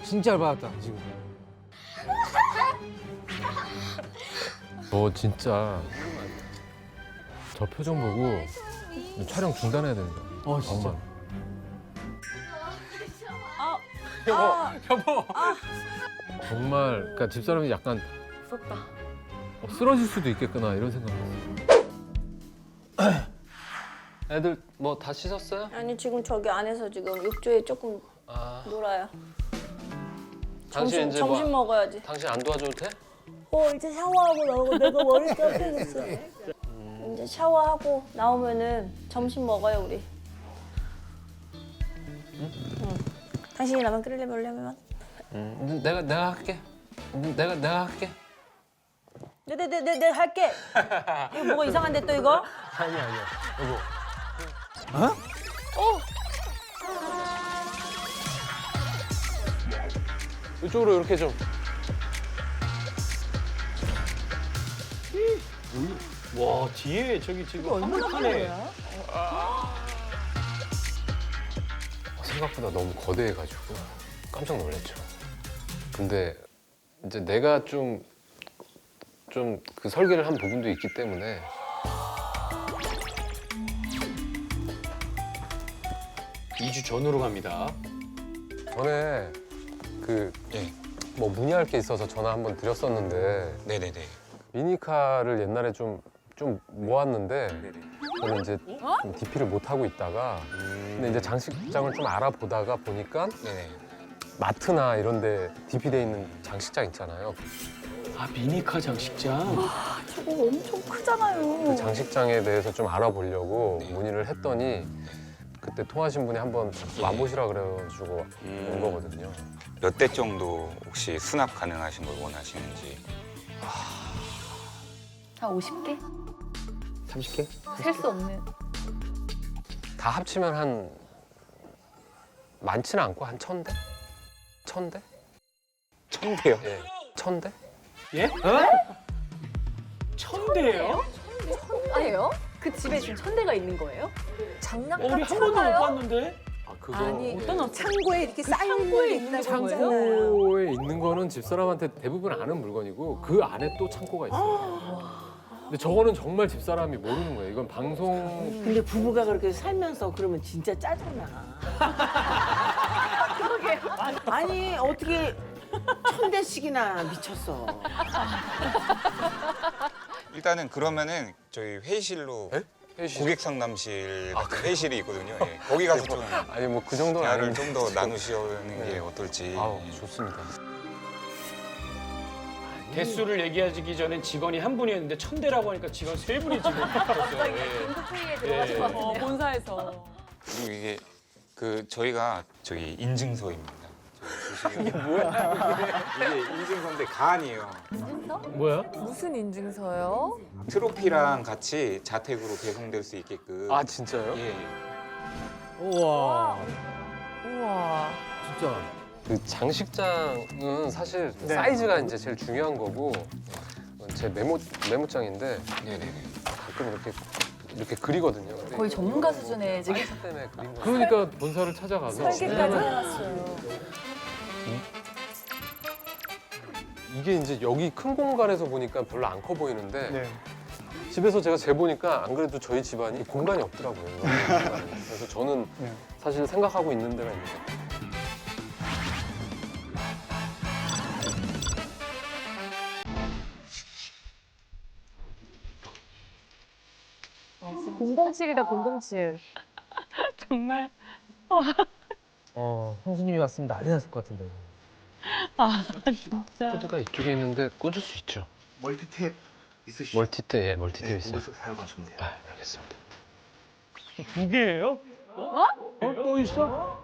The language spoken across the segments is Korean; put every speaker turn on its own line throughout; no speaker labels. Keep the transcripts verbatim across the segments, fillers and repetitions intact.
진짜 열받았다 지금.
너 진짜 저 표정 보고 촬영 중단해야 된다.
어 진짜.
정말.
여보 여보.
정말 그러니까 집사람이 약간
무섭다.
어, 쓰러질 수도 있겠구나 이런 생각. 애들 뭐 다 씻었어요?
아니 지금 저기 안에서 지금 욕조에 조금
아,
놀아요.
당신
점심
이제
점심
뭐,
먹어야지.
당신 안 도와줘도 돼?
어 이제 샤워하고 나오고 내가 머리 감겨줬어. 이제 샤워하고 나오면은 점심 먹어요 우리. 응. 당신이 라면 끓이려면 올려면.
응. 내가 내가 할게. 내가 내가 할게.
네네네네 네, 네, 할게. 이거 뭐가 이상한데 또 이거?
아니 아니야. 여보.
어?
어.
이쪽으로 이렇게 좀.
와 뒤에 저기 지금 한복판에
생각보다 너무 거대해가지고 깜짝 놀랐죠. 근데 이제 내가 좀 좀 그 설계를 한 부분도 있기 때문에
이 주 전으로 갑니다.
전에 그 뭐 문의할 게 있어서 전화 한번 드렸었는데
네네네.
미니카를 옛날에 좀 좀 모았는데
네네.
저는 이제 좀 디피를 못 하고 있다가 근데 이제 장식장을 좀 알아보다가 보니까
네네.
마트나 이런데 디피돼 있는 장식장 있잖아요.
아 미니카 장식장.
저거 엄청 크잖아요.
그 장식장에 대해서 좀 알아보려고 문의를 했더니 그때 통하신 분이 한번 와보시라 그래가지고 온 거거든요.
몇 대 정도 혹시 수납 가능하신 걸 원하시는지.
한 오십 개?
삼십 개?
셀 수 없는.
다 합치면 한 많지는 않고 한 천 대? 천 대?
천 대요?
예, 천 대?
예? 천 대예요?
아예요? 그 집에 지금 천 대가 있는 거예요?
어,
장난감
우리 한 번도 못 봤는데.
아 그거
아니,
예.
어떤
창고에 이렇게 쌓인 게 있다고
창고에 있는 거는 집사람한테 대부분 아는 물건이고 그 안에 또 창고가 있어요. 근데 저거는 정말 집사람이 모르는 거예요. 이건 방송
근데 부부가 그렇게 살면서 그러면 진짜 짜증나. 아니 어떻게 천 대씩이나 미쳤어.
일단은 그러면은 저희 회의실로
에? 회의실?
고객 상담실 같은 회의실이 있거든요. 예. 거기 가서 좀
아니 뭐 그 정도는
대화를
아닌데
좀 더 나누시는 게
네.
어떨지.
아우 좋습니다.
대수를 얘기하기 전엔 직원이 한 분이었는데 천 대라고 하니까 직원 세 분이 지금 붙었어요. 예.
긴급회의에 들어가신 것 같은데요.
본사에서.
그리고 이게 그 저희가 저기 인증서입니다. 이게 뭐야? 이게 인증서인데 가 아니에요.
인증서?
뭐야?
무슨 인증서요?
트로피랑 같이 자택으로 배송될 수 있게끔.
아 진짜요?
예. 예.
우와.
우와.
진짜.
그 장식장은 사실 사이즈가 이제 제일 중요한 거고 제 메모 메모장인데
네네네.
가끔 이렇게 이렇게 그리거든요. 근데
거의 전문가 수준의 지금.
사이즈 때문에 그린 거. 그러니까 본사를 찾아가서
설계까지 해놨어요.
이게 이제 여기 큰 공간에서 보니까 별로 안 커 보이는데 집에서 제가 재보니까 안 그래도 저희 집안이 공간이 없더라고요. 그래서 저는 사실 생각하고 있는 데가 있는 것 같아요.
공공칠이다 공공칠.
정말
어 형수님이 왔으면 난리 났을 것 같은데.
아 진짜
코드가 이쪽에 있는데 꽂을 수 있죠.
멀티탭 있으시죠?
멀티탭, 예, 멀티탭
네,
있어요.
거기서 사용하시면 돼요.
아, 알겠습니다.
두 개예요? 어? 어? 또 있어?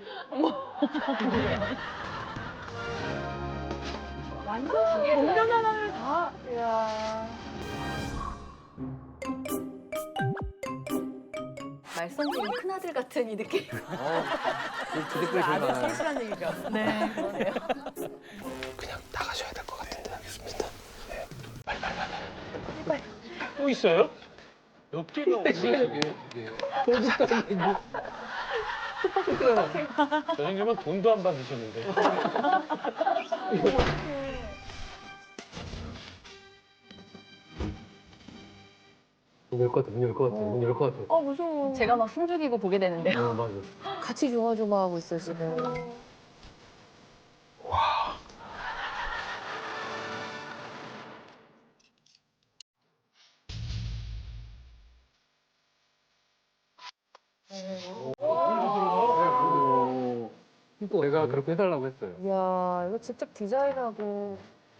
동전 하나를 다. 이야. 말썽쟁이 큰아들 같은 이 느낌.
그 댓글 제일 많아요.
얘기가. 네. 그러네요.
그냥 나가셔야 될 것 같은데. 알겠습니다. 네. 빨리, 빨리, 빨리.
또 있어요? 몇 개가
이게, 이게.
저 정도면 돈도 안 받으셨는데.
열것 같아, 문 열 것 같아, 문 열 것 같아.
어 무서워.
제가 막 숨죽이고 보게 되는데요.
어, 맞아.
같이 조마조마하고 있어요, 지금.
내가 그렇게 해달라고 했어요.
이야, 이거 직접 디자인하고.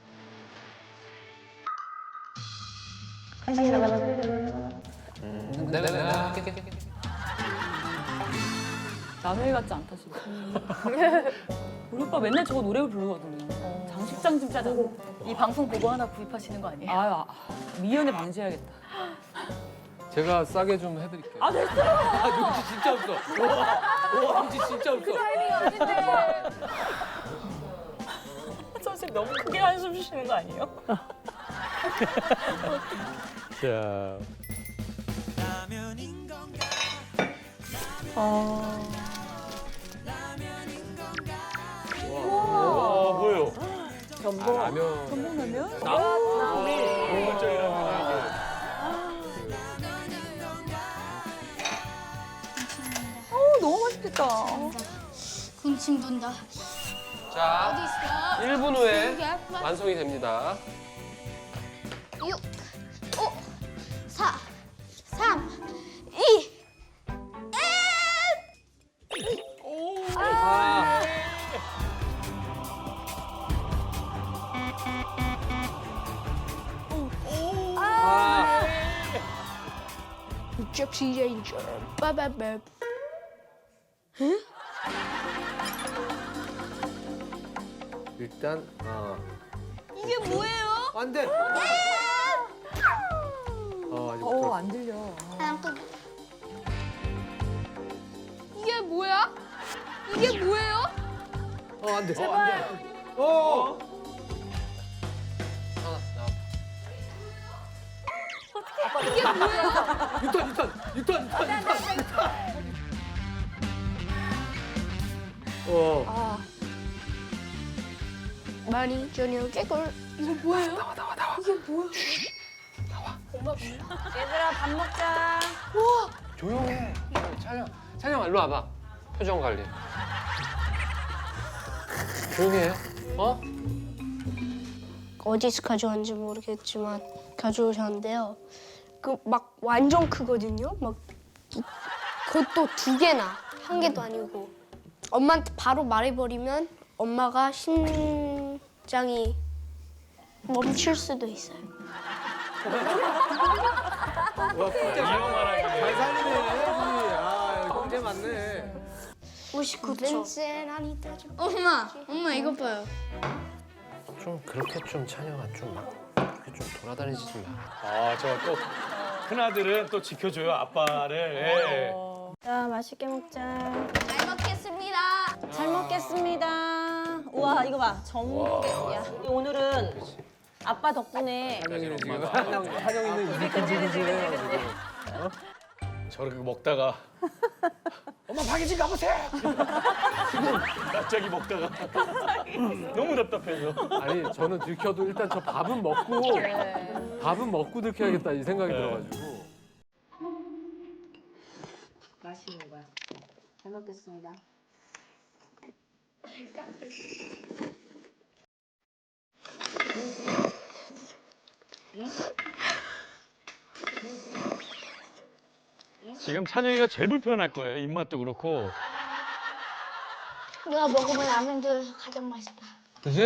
남의 일 같지 않다 진짜. 우리 오빠 맨날 저거 노래 부르거든요. 장식장 좀 짜자.
이 방송 보고 하나 구입하시는 거 아니에요?
아유, 아, 미연에 방지해야겠다.
제가 싸게 좀 해드릴게요.
아 됐어.
아, 눈치 진짜 없어. 와, 와, 눈치 진짜 없어.
선생님 너무 크게 한숨 쉬시는 거 아니에요?
자, 와, 뭐예요?
전복. 아, 라면.
전복라면? 어 너무 맛있겠다.
군침 돈다.
자, 일 분 후에 완성이 됩니다.
육, 오, 사, 삼, 이,
아, 아,
접시 레인저. 빠바밤.
일단, 아.
이게 뭐예요?
안 돼! 어, 아직 못
어
들었어.
안 들려.
하나 또. 이게 뭐야? 이게 뭐예요?
어, 안 돼. 어, 안 돼. 어! 하나, 나.
이게 뭐야?
육 턴, 육 턴, 육 턴, 육 턴, 육 턴, 육 턴. 어.
많이 저녁 깨골. 이거 뭐예요? 나와 나와 나와. 이게 뭐야? 나와. 엄마 몰라. 얘들아 밥 먹자. 우와.
조용해. 찬영, 찬영, 일로 와봐. 표정 관리. 조용히 해. 어?
어디서 가져왔는지 모르겠지만 가져오셨는데요. 그 막 완전 크거든요. 막 이- 그것도 두 개나 한 개도 아니고 엄마한테 바로 말해버리면 엄마가 심장이 멈출 수도 있어요.
잘 살리네, 분이. 아, 형제 맞네.
오십구 초. 엄마, 엄마 이거 봐요.
좀 그렇게 좀 찬영아 좀 막 이렇게 좀 돌아다니지 좀 마.
아, 저 또 큰아들은 또 지켜줘요, 아빠를. 예.
자, 맛있게 먹자. 잘 먹겠습니다. 잘 먹겠습니다. 우와, 이거 봐. 전복이야. 오늘은 아빠 덕분에
한영이는 지금, 한영, 한영이는 입이 근질근질해요, 지금.
저렇게 먹다가 엄마 박이진 가보세요. 갑자기 먹다가 너무 답답해서.
아니 저는 들켜도 일단 저 밥은 먹고 밥은 먹고 들켜야겠다 이 생각이
네.
들어가지고.
맛있는 거야. 잘 먹겠습니다.
지금 찬영이가 제일 불편할 거예요. 입맛도 그렇고.
내가 먹어본 라면 중에서 가장 맛있다.
그지?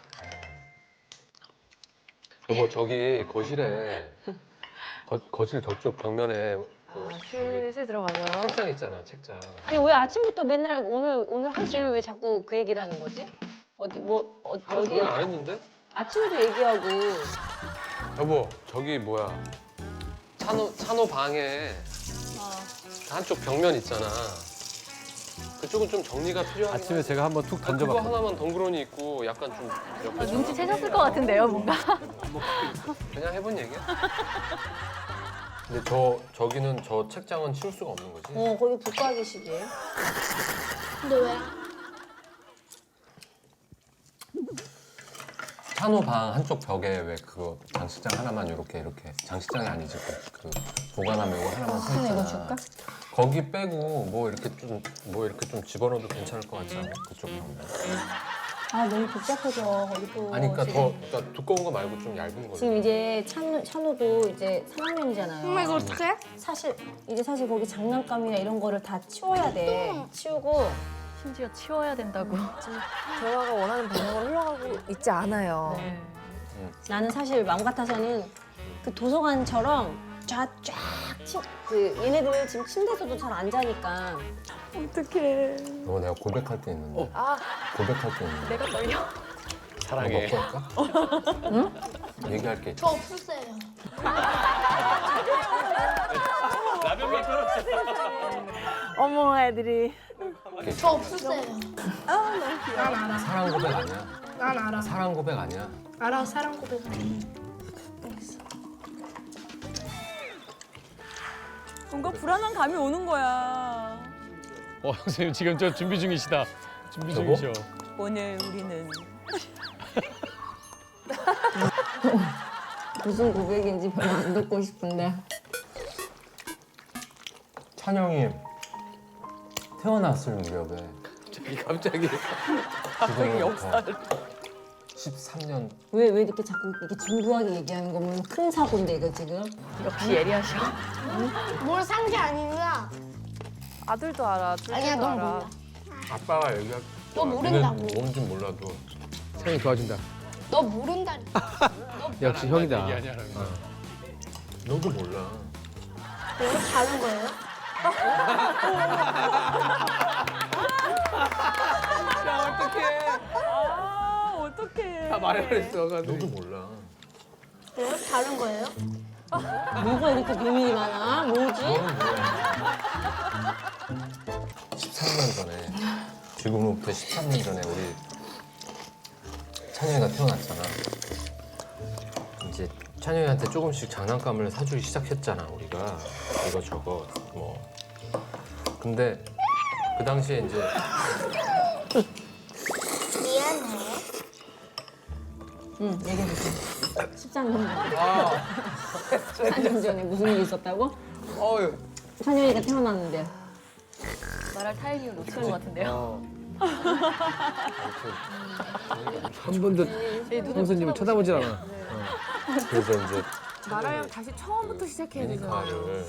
여보 저기 거실에 거, 거실 저쪽 벽면에 그
슬슬 들어가죠.
책장 있잖아 책장.
아니 왜 아침부터 맨날 오늘 오늘 하시는 왜 자꾸 그 얘기를 하는 거지? 어디 뭐 어, 어디
그건 안 했는데?
아침에도 얘기하고
여보 저기 뭐야 찬호 찬호 방에 한쪽 벽면 있잖아. 그쪽은 좀 정리가 필요한. 아침에 제가 한번 툭 던져봤거든요. 그거 하나만 덩그러니 있고 약간 좀 옆에
눈치채셨을 것 같은데요, 뭔가.
그냥 해본 얘기야. 근데 저 저기는 저 책장은 치울 수가 없는 거지?
어, 거기 북가기식이에요.
근데 왜?
찬호 방 한쪽 벽에 왜 그거 장식장 하나만 이렇게 이렇게 장식장이 아니지 그, 그 보관함에 이거 하나만 서 있잖아.
이거 줄까?
거기 빼고 뭐 이렇게 좀 뭐 이렇게 좀 집어넣어도 괜찮을 것 같지 않아? 그쪽 방.
아, 너무 복잡해서 거기 또.
아니 그러니까
지금,
더 그러니까 두꺼운 거 말고 좀 얇은 거.
지금 이제 찬우, 찬우도 이제 삼 학년이잖아요.
엄마 이거 어떡해?
사실 이제 사실 거기 장난감이나 이런 거를 다 치워야 돼. 치우고
심지어 치워야 된다고.
대화가 원하는 방향으로 흘러가고 있지 않아요.
네.
나는 사실 마음 같아서는 그 도서관처럼 쫙쫙 치, 그 얘네들 지금 침대에서도 잘 안 자니까 어떡해.
너 내가 고백할 게 있는데.
아.
고백할 게 있는데.
내가 떨려.
사랑해.
너 먹고 할까? 응? 얘기할 게 있어.
저 없었어요.
라면 만들어.
어머 애들이
저 없었어요.
사랑 고백 아니야.
난 알아.
사랑 고백 아니야.
알아, 사랑 고백.
뭔가 불안한 감이 오는 거야.
어 선생님 지금 저 준비 중이시다. 준비
여보?
중이셔.
오늘 우리는
무슨 고백인지 별로 안 듣고 싶은데.
찬영이 태어났을 무렵에
갑자기 갑자기
갑자기 역사를 십삼 년
왜 왜 이렇게 자꾸 이렇게 진부하게 얘기하는 거면 큰 사고인데 이거 지금.
역시 예리하셔.
뭘 산 게 아니라.
아들도 알아. 둘째도
아니야, 넌
알아.
몰라.
아빠가 얘기할
너 모른다고.
뭔지 몰라도
찬이 도와준다.
너 모른다니까.
역시 형이다.
얘기하냐라고.
너도 몰라.
왜 다른 거예요?
야 어떡해.
아 어떡해.
다 말해버렸어.
너도 몰라.
왜 다른 거예요?
뭐가 이렇게 비밀이 많아? 뭐지?
너는 뭐야? 십삼 년 전에 지금으로부터 십삼 년 전에 우리 찬영이가 태어났잖아. 이제 찬영이한테 조금씩 장난감을 사주기 시작했잖아 우리가 이거 저거 뭐. 근데 그 당시에 이제
미안해.
응, 얘기해주세요. 십삼 년 전에. 십삼 년 전에 무슨 일이 있었다고?
어유.
찬영이가 태어났는데.
말할 타이밍을 놓친 것 같은데요.
한 번도 형수님을 쳐다보질 않아.
그래서 이제
나라랑 다시 처음부터 시작해야 되잖아.
미니카를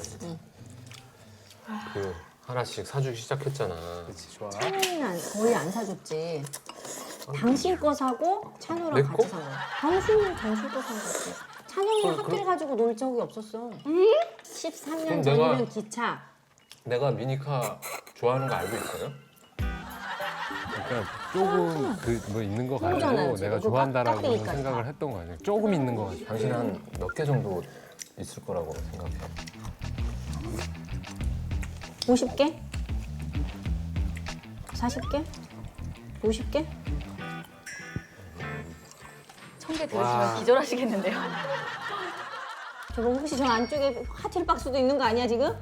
그 하나씩 사주기 시작했잖아.
좋아.
찬영이는 안- 거의 안 사줬지. 당신 거 사고 찬우랑
내
같이
거?
산 거야. 당신은 당신 거 산 거지. 찬영이는
그럼-
학교를 가지고 놀 적이 없었어. 십삼 년
그럼
전이면
내가-
기차.
내가 미니카 좋아하는 거 알고 있어요?
그러니까 조금 그 뭐 있는 거 가지고
모르잖아요, 지금.
내가
그거
좋아한다라고
깎이니까.
생각을 했던 거 아니에요? 조금 있는 거 가지고.
당신 한 몇 개 정도 있을 거라고 생각해.
오십 개? 사십 개? 오십 개?
천 개 들으시면 기절하시겠는데요.
저거 혹시 저 안쪽에 하트 박스도 있는 거 아니야 지금?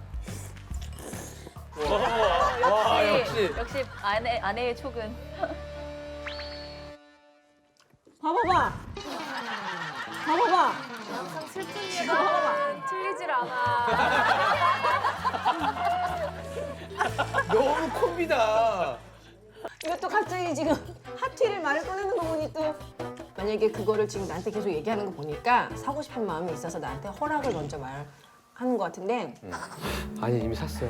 와 역시.
역시 아내 아내의 촉은.
봐봐봐. 봐봐봐.
항상 슬픈 이유가 틀리질 않아.
너무 콤비다.
이것도 갑자기 지금 하트를 말을 꺼내는 거 보니 또 만약에 그거를 지금 나한테 계속 얘기하는 거 보니까 사고 싶은 마음이 있어서 나한테 허락을 먼저 말하는 거 같은데
아니 이미 샀어.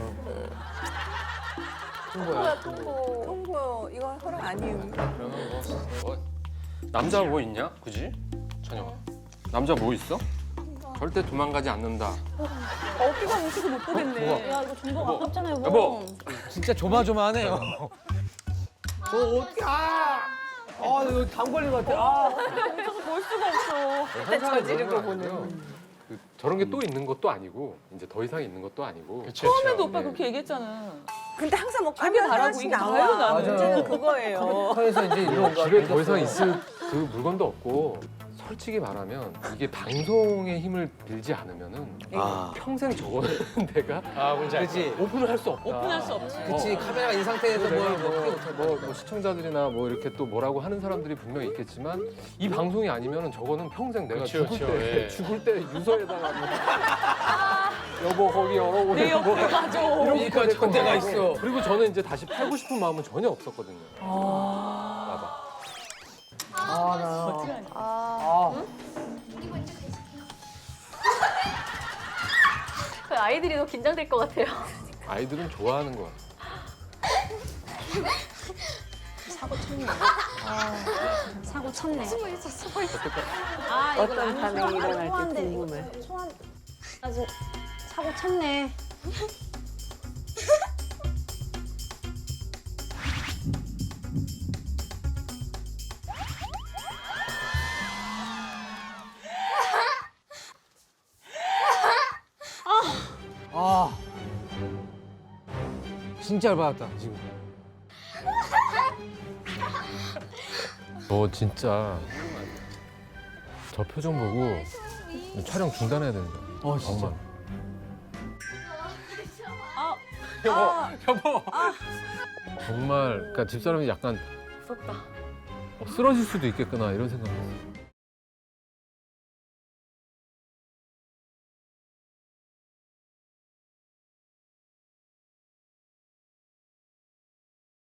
통보야 통보. 통보. 이건 허락 아니에요.
그러면 뭐, 뭐 남자 뭐 있냐? 그지? 찬영아. 남자 뭐 있어? 절대 도망가지 않는다.
어깨가 뭉쳐서 못 보겠네.
야 이거 정보 아깝잖아 여보.
여보.
진짜 조마조마하네요. 저 어떻게 아? 아 이거 담 걸린 것 같아. 아.
뭉쳐서 볼 수가 없어.
저지르고 보는. 그, 저런 게 또 있는 것도 아니고 이제 더 이상 있는 것도 아니고.
그쵸,
처음에도 오빠
네.
그렇게 얘기했잖아.
근데 항상 뭐
하길 바라고 이게 다예요 나는.
맞아요.
그거예요.
카에서 이제 이런 거
집에 더 이상 있을 그 물건도 없고 솔직히 말하면 이게 방송의 힘을 빌지 않으면은
아.
평생 저거는 내가
아, 뭔지 알죠?
그렇지.
오픈을 할 수 없다.
오픈할 수 없지.
그렇지. 카메라가 이 상태에서
내가
뭘
뭐,
뭐,
뭐, 뭐 시청자들이나 뭐 이렇게 또 뭐라고 하는 사람들이 분명히 있겠지만 이 방송이 아니면은 저거는 평생 내가
그쵸,
죽을
그쵸,
때
예.
죽을 때 유서에다가 뭐 여보 거기 열어보내
내 옆에 가줘.
이런
그러니까
것까지
전대가
하고.
있어.
그리고 저는 이제 다시 팔고 싶은 마음은 전혀 없었거든요.
아.
봐봐.
아, 나.
어떡하냐.
아.
그 아이들이 더 긴장될 것 같아요.
아이들은 좋아하는 거야.
사고 쳤네. 사고 쳤네.
숨어 있어, 숨어 있어.
아, 이거
어떤
나는
반응이
소환-
일어날지
소환돼.
궁금해.
이거 소환. 나 지금 사고 쳤네.
아. 진짜 열받았다, 지금.
너 진짜 저 표정 보고 촬영 중단해야 되는 거야.
어, 진짜.
정말.
아,
여보. 정말 그러니까 집사람이 약간
무섭다.
어, 쓰러질 수도 있겠구나 이런 생각을 했어.